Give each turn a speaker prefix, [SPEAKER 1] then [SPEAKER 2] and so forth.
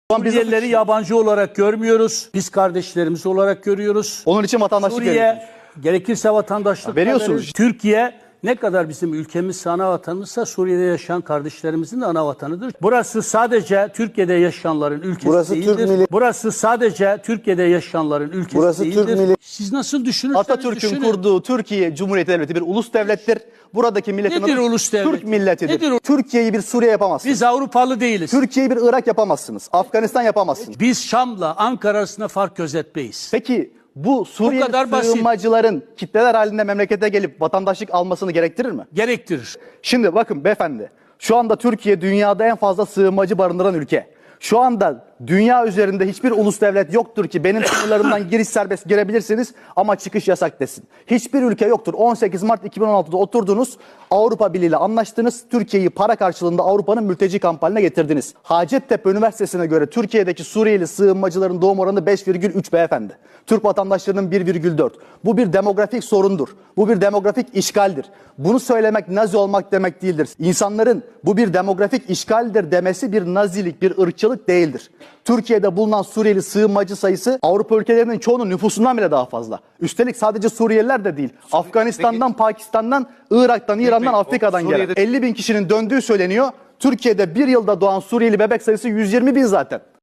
[SPEAKER 1] Suriyelileri yabancı olarak görmüyoruz. Biz kardeşlerimiz olarak görüyoruz.
[SPEAKER 2] Onun için vatandaşlık
[SPEAKER 1] Suriye gerekirse vatandaşlık
[SPEAKER 2] veriyorsunuz.
[SPEAKER 1] veririz. Türkiye ne kadar bizim ülkemiz ana vatanımızsa Suriye'de yaşayan kardeşlerimizin de ana vatanıdır. Burası sadece Türkiye'de yaşayanların ülkesi
[SPEAKER 3] Burası
[SPEAKER 1] değildir.
[SPEAKER 3] Türk milli-
[SPEAKER 1] Burası sadece Türkiye'de yaşayanların ülkesi
[SPEAKER 3] Burası
[SPEAKER 1] değildir.
[SPEAKER 3] Türk milli-
[SPEAKER 1] Siz nasıl düşünürseniz
[SPEAKER 2] Atatürk'ün
[SPEAKER 1] düşünün.
[SPEAKER 2] kurduğu Türkiye Cumhuriyeti Devleti bir ulus devlettir. Buradaki milletin
[SPEAKER 1] Nedir
[SPEAKER 2] adı
[SPEAKER 1] ulus devlet?
[SPEAKER 2] Türk milletidir.
[SPEAKER 1] Nedir o-
[SPEAKER 2] Türkiye'yi bir Suriye yapamazsınız.
[SPEAKER 1] Biz Avrupalı değiliz.
[SPEAKER 2] Türkiye'yi bir Irak yapamazsınız. Afganistan yapamazsınız.
[SPEAKER 1] Biz Şam'la Ankara arasında fark gözetmeyiz.
[SPEAKER 2] Peki bu Suriyeli
[SPEAKER 1] kadar basit.
[SPEAKER 2] sığınmacıların kitleler halinde memlekete gelip vatandaşlık almasını gerektirir mi?
[SPEAKER 1] Gerektirir.
[SPEAKER 2] Şimdi bakın beyefendi, şu anda Türkiye dünyada en fazla sığınmacı barındıran ülke. Şu anda dünya üzerinde hiçbir ulus devlet yoktur ki benim sınırlarımdan giriş serbest girebilirsiniz ama çıkış yasak desin. Hiçbir ülke yoktur. 18 Mart 2016'da oturdunuz, Avrupa Birliği ile anlaştınız, Türkiye'yi para karşılığında Avrupa'nın mülteci kampanyasına getirdiniz. Hacettepe Üniversitesi'ne göre Türkiye'deki Suriyeli sığınmacıların doğum oranı 5,3 beyefendi. Türk vatandaşlarının 1,4. Bu bir demografik sorundur. Bu bir demografik işgaldir. Bunu söylemek Nazi olmak demek değildir. İnsanların bu bir demografik işgaldir demesi bir Nazilik, bir ırkçılık değildir. Türkiye'de bulunan Suriyeli sığınmacı sayısı Avrupa ülkelerinin çoğunun nüfusundan bile daha fazla. Üstelik sadece Suriyeliler de değil. Afganistan'dan, Pakistan'dan, Irak'tan, İran'dan, Afrika'dan gelen 50 bin kişinin döndüğü söyleniyor. Türkiye'de bir yılda doğan Suriyeli bebek sayısı 120 bin zaten.